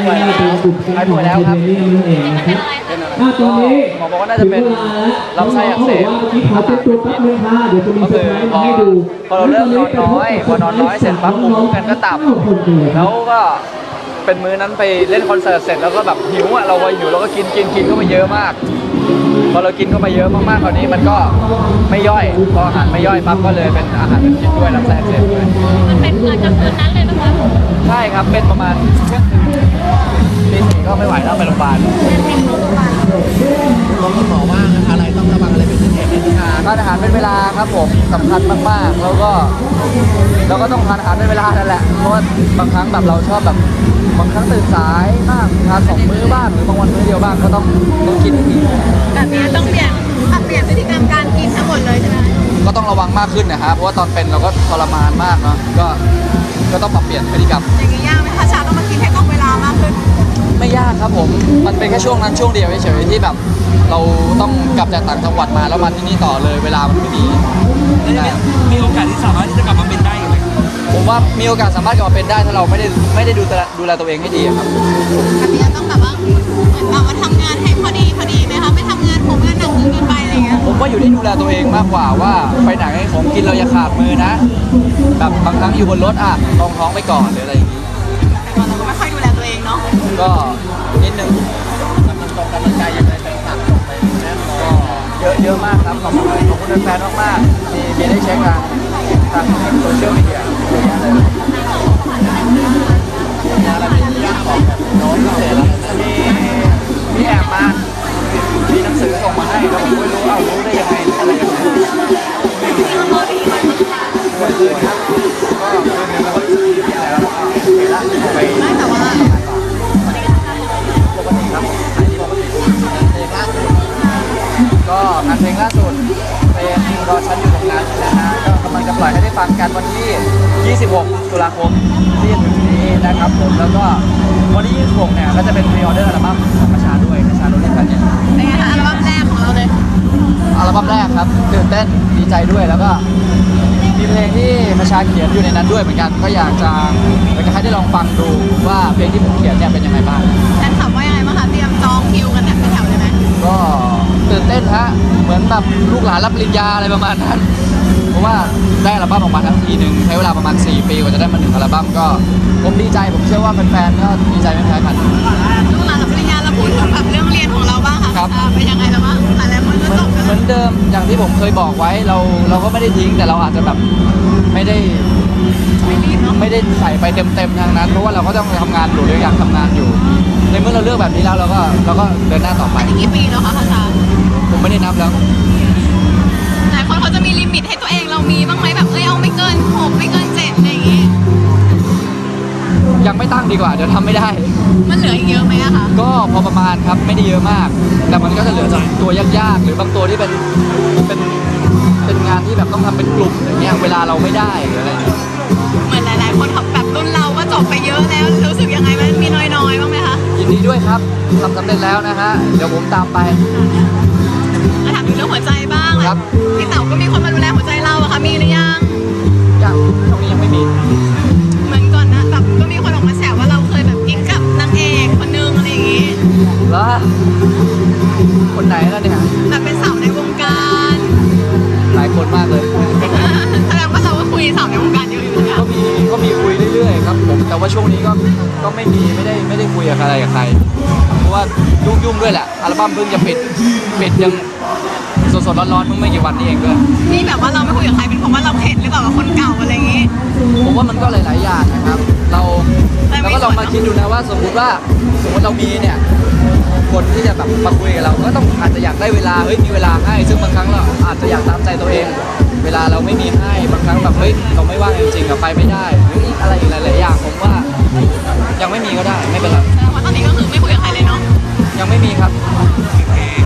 ป่วยแล้วหายป่วยแล้วครับตรงนี้หมอบอกว่าน่าจะเป็นลำไส้อักเสบขอเป็นตัวแป๊บนึงค่ะเดี๋ยวจะมีเซอร์ไพรส์มาให้ดูพอเราเริ่มนอนน้อยพอนอนน้อยเสร็จปั๊บภูมิคุ้มกันก็ต่ำแล้วก็เป็นมื้อนั้นไปเล่นคอนเสิร์ตเสร็จแล้วก็แบบหิวอ่ะเราหิวเราก็กินเข้าไปเยอะมากพอเรากินเข้าไปเยอะมากๆคราวนี้มันก็ไม่ย่อยพออาหารไม่ย่อยปั๊บก็เลยเป็นอาหารเป็นพิษด้วยลำไส้อักเสบด้วยมันเป็นเกิดจากคืนนั้นเลยนะคะใช่ครับเป็นประมาณเที่ยงคืนตีสี่ก็ไม่ไหวแล้วไปโรงพยาบาลคุณหมอว่าอะไรต้องระวังอะไรเป็นพิเศษไหมครับทานอาหารเป็นเวลาครับผมสำคัญมากๆแล้วก็เราก็ต้องทานอาหารเป็นเวลานั่นแหละเพราะว่าบางครั้งแบบเราชอบแบบบางครั้งตื่นสายบ้างทาน2 มื้อบ้างหรือบางวันมื้อเดียวบ้างก็ต้องกินให้ดีแบบนี้ต้องเปลี่ยนพฤติกรรมการกินทั้งหมดเลยใช่ไหมก็ต้องระวังมากขึ้นนะฮะเพราะว่าตอนเป็นเราก็ทรมานมากเนาะก็ต้องปรับเปลี่ยนพฤติกรรมอย่างนี้ยากไหมคะชาต้องมากินให้ตรงเวลามากขึ้นไม่ยากครับผมมันเป็นแค่ช่วงนั้นช่วงเดียวเฉยๆที่แบบเราต้องกลับจากต่างจังหวัดมาแล้วมาที่นี่ต่อเลยเวลามันไม่มีมีโอกาสที่สามารถที่จะกลับมาเป็นได้ไหมผมว่ามีโอกาสสามารถกลับมาเป็นได้ถ้าเราไม่ได้ดูแลตัวเองให้ดีครับแบบนี้ต้องแบบว่าเหมือนแบบว่าทำงานให้พอดีไหมคะไม่ทำงานผมงานหนักเกินไปอะไรเงี้ยผมว่าอยู่ที่ดูแลตัวเองมากกว่าว่าไปไหนของกินเราอย่าขาดมือนะแบบบางครั้งอยู่บนรถอ่ะลองท้องไปก่อนหรืออะไรอย่างนี้แต่เราก็ไม่ค่อยดูแลตัวเองเนาะก็นิดนึงกำลังใจยังไงแฟนคลับส่งไปแน่นอนก็เยอะมากครับขอบคุณแฟนมากๆมีได้เช็คทางโซเชียลมีเดียเยอะแยะเลยอะไรเป็นยากของโน้ตพิเศษแล้วมีแอบมามีหนังสือส่งมาให้แล้วผมไม่รู้รู้ได้ยังไงอะไรยังไงเมื่อคืนครับก็คืนนึงแล้วก็แล้วไปไม่แต่ว่าปกติครับขายดีปกติเพลงล่าสุดก็งานเพลงล่าสุดเป็นรอฉันอยู่ตรงนั้นนะฮะก็กำลังจะปล่อยให้ได้ฟังกันวันที่ 26 ตุลาคมที่จะถึงนี้นะครับผมแล้วก็วันที่ 26 เนี่ยก็จะเป็นพรีออเดอร์อัลบั้มของประชาด้วยประชาโรเล่นกันเนี่ยเป็นไงคะอัลบั้มแรกของเราเลยอัลบั้มแรกครับตื่นเต้นดีใจด้วยแล้วก็มีเพลงที่ประชาเขียนอยู่ในนั้นด้วยเหมือนกันก็อยากจะให้ได้ลองฟังดูว่าเพลงที่ผมเขียนเนี่ยเป็นยังไงบ้างแฟนคลับว่ายังไงบ้างคะเตรียมจองคิวกันแบบเป็นแถวเลยไหมก็ตื่นเต้นฮะเหมือนแบบลูกหลานรับปริญญาอะไรประมาณนั้นเพราะว่าได้อัลบั้มออกมาทั้งทีหนึ่งใช้เวลาประมาณ4 ปีกว่าจะได้มา1 อัลบั้มก็ผมดีใจผมเชื่อว่าแฟนๆก็ดีใจไม่แพ้กันลูกหลานรับปริญญาเราพูดถึงแบบเรื่องเรียนของเราบ้างค่ะครับเป็นยังไงแล้วบ้างหลายคนก็จบกันเหมือนเดิมอย่างที่ผมเคยบอกไว้เราก็ไม่ได้ทิ้งแต่เราอาจจะแบบไม่ได้ไม่รีบเนาะไม่ได้ใส่ไปเต็มๆทางนั้นเพราะว่าเราก็ต้องทำงานอยู่เราอยากทำงานอยู่ ในเมื่อเราเลือกแบบนี้แล้วเราก็เดินหน้าต่อไปกี่ปีแล้วคะอาจารย์ผมไม่ได้นับแล้วหลายคนเขาจะมีลิมิตให้ตัวเองเรามีบ้างไหมแบบเอาไม่เกิน6ไม่เกิน7อะไรอย่างงี้ยังไม่ตั้งดีกว่าเดี๋ยวทำไม่ได้มันเหลืออีกเยอะไหมอะคะก็พอประมาณครับไม่ได้เยอะมาก แต่มันก็จะเหลือจากตัวยากๆหรือบางตัวที่เป็นงานที่แบบต้องทำเป็นกลุ่มอย่างเงี้ยเวลาเราไม่ได้หรืออะไรอย่างเงี้ยเหมือนหลายๆคนเขาแบบรุ่นเราก็จบไปเยอะแล้วรู้สึกยังไงมันมีน้อยๆบ้างไหมคะยินดีด้วยครับทำสำเร็จแล้วนะฮะเดี๋ยวผมตามไปถามถึงเรื่องหัวใจบ้างครับพี่เต๋าก็มีคนมาดูแลหัวใจเราอะคะมีหรือยังยังตรงนี้ยังไม่มีเหมือนก่อนนะแบบก็มีคนออกมาแซวว่าเราเคยแบบกิ๊กกับนางเอกคนนึงอะไรอย่างงี้แล้วคนไหนแล้วเนี่ยแบบเป็นสาวในวงการหลายคนมากเลยแสดงว่าเราก็คุยสาวในวงการเยอะอยู่นะก็มีคุยเรื่อยๆครับผมแต่ว่าช่วงนี้ก็ไม่ได้คุยกับใครเพราะว่ายุ่งด้วยแหละอัลบั้มเพิ่งจะปิดยังสดๆร้อนๆเพิ่งไม่กี่วันนี้เองด้วยนี่แบบว่าเราไม่คุยกับใครเป็นเพราะว่าเราเข็ดหรือเปล่ากับคนเก่าอะไรอย่างงี้ผมว่ามันก็หลายๆอย่างนะครับเราก็ลองมาคิดดูนะว่าสมมติเรามีเนี่ยคนที่จะแบบมาคุยกับเราก็ต้องอาจจะอยากได้เวลามีเวลาให้ซึ่งบางครั้งเราอาจจะอยากตามใจตัวเอง เวลาเราไม่มีให้บางครั้งแบบเราไม่ว่างจริงๆไปไม่ได้หรืออะไรอีกหลายๆอย่างผมว่ายังไม่มีก็ได้ไม่เป็นไรแสดงว่าตอนนี้ก็คือไม่คุยกับใครเลยเนาะยังไม่มีครับแ